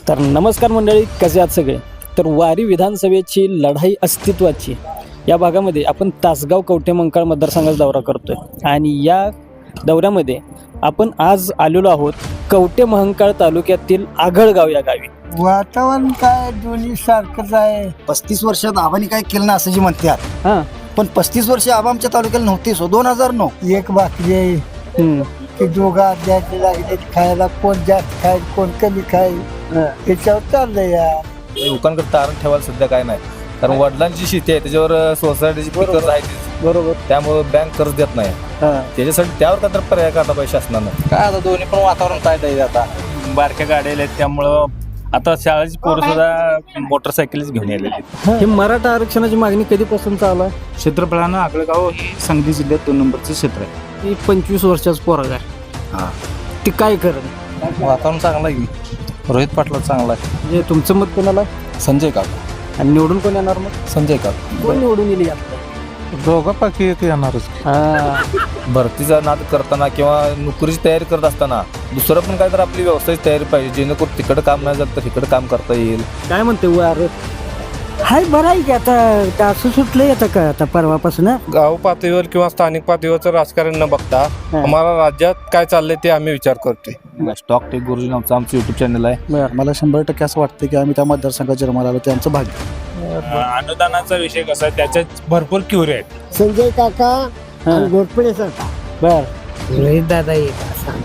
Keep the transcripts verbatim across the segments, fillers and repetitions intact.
तर नमस्कार मंडळी, कसे आहात सगळे. तर वारी विधानसभेची लढाई अस्तित्वाची या भागामध्ये आपण तासगाव कवठेमंकाळ मतदारसंघाचा दौरा करतोय आणि या दौऱ्यामध्ये आपण आज आलेलो आहोत कवठेमंकाळ तालुक्यातील आघळगाव या गावी. वातावरण काय दोन्ही सारखंच आहे. पस्तीस वर्षात आबांनी काय केलं ना असं जी म्हणतात, हां पण पस्तीस वर्ष आबा आमच्या तालुक्याला नव्हते. सो दोन हजार नऊ एक भाकरी आहे हम्म. की दोघा द्यायचे लागले खायला, कोण जास्त खाय कोण कमी खाय त्याच्यावर चाललंय या. लोकांकडे तारण ठेवायला सध्या काय नाही, कारण वडिलांची शेती आहे त्याच्यावर सोसायटीची पिकर्स आहेत, बरोबर. त्यामुळे बँक कर्ज देत नाही. हां त्याच्यासाठी त्यावर काय तर पर्याय काढला पाहिजे शासनानं. काय आता दोन्ही पण वातावरण काय द्यायचं आता. बारक्या गाड्या आहेत त्यामुळं आता शाळेची पोरं सुद्धा मोटरसायकलच घेऊन आलेली आहेत. हे मराठा आरक्षणाची मागणी कधीपासून चालू आहे? क्षेत्रफळानं आगळगाव हे सांगली जिल्ह्यात दोन नंबरचं क्षेत्र आहे. ही पंचवीस वर्षाचं पोरग आहे. हा. ती काय करेल? वातावरण चांगलं आहे की रोहित पाटला चांगला आहे. म्हणजे तुमचं मत कोणाला संजय काका आणि निवडून कोण येणार? मग संजय काका कोण निवडून येईल यात? दोघांपैकी एक येणारच. हां भरतीचा नाद करताना किंवा नोकरीची तयारी करत असताना दुसरं पण काय तर आपली व्यवसायाची तयारी पाहिजे, जेणेकरून तिकडं काम नाही झालं तर इकडं काम करता येईल. काय म्हणते वार? हाय बरं आहे की आता असं सुटलं येतं का आता परवापासून. गाव पातळीवर किंवा स्थानिक पातळीवरचं राजकारण न बघता आम्हाला राज्यात काय चाललंय ते आम्ही विचार करतोय. स्टॉक टेक गुरुजी नावचं आमचं युट्यूब चॅनल आहे. मला शंभर टक्के असं वाटतं की आम्ही त्या मतदारसंघात जन्माला आलो ते आमचं भाग्य. अनुदानाचा विषय कसा आहे, त्याच्यात भरपूर क्युरे आहेत. संजय काका आणि घोटपडे सर बर रोहित दादा येत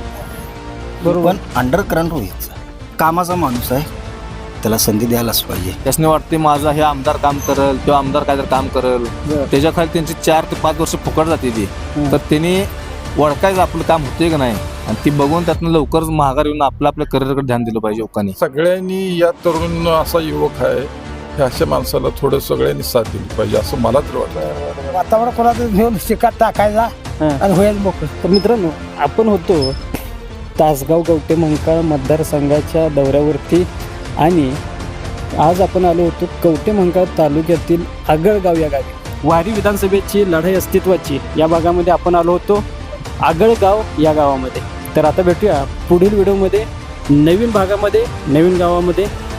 पण अंडर करंट होईल. कामाचा माणूस आहे, त्याला संधी द्यायलाच पाहिजे. त्यासने वाटते माझा हे आमदार काम करेल किंवा आमदार काय तर काम करेल, त्याच्या खाली त्यांची चार ते पाच वर्ष फुकट जाते ती. तर त्यांनी ओळखायचं आपलं काम होते का नाही, आणि ती बघून त्यातनं लवकरच महागार येऊन आपलं आपल्या करिअरकडे ध्यान दिलं पाहिजे लोकांनी. सगळ्यांनी या तरुण असा युवक आहे, ह्या अशा माणसाला थोडं सगळ्यांनी साथ दिली पाहिजे असं मला तर वाटतं. वातावरण कोणाचं घेऊन शिकात टाकायचा आणि होईल मोकळं. तर मित्रांनो, आपण होतो तासगाव कवठेमंकाळ मतदारसंघाच्या दौऱ्यावरती आणि आज आपण आलो होतो कवठेमंकाळ तालुक्यातील आगळगाव या गावी. वारी विधानसभेची लढाई अस्तित्वाची या भागामध्ये आपण आलो होतो आगळगाव या गावामध्ये. तर आता भेटूया पुढील व्हिडिओमध्ये नवीन भागामध्ये, नवीन गावामध्ये.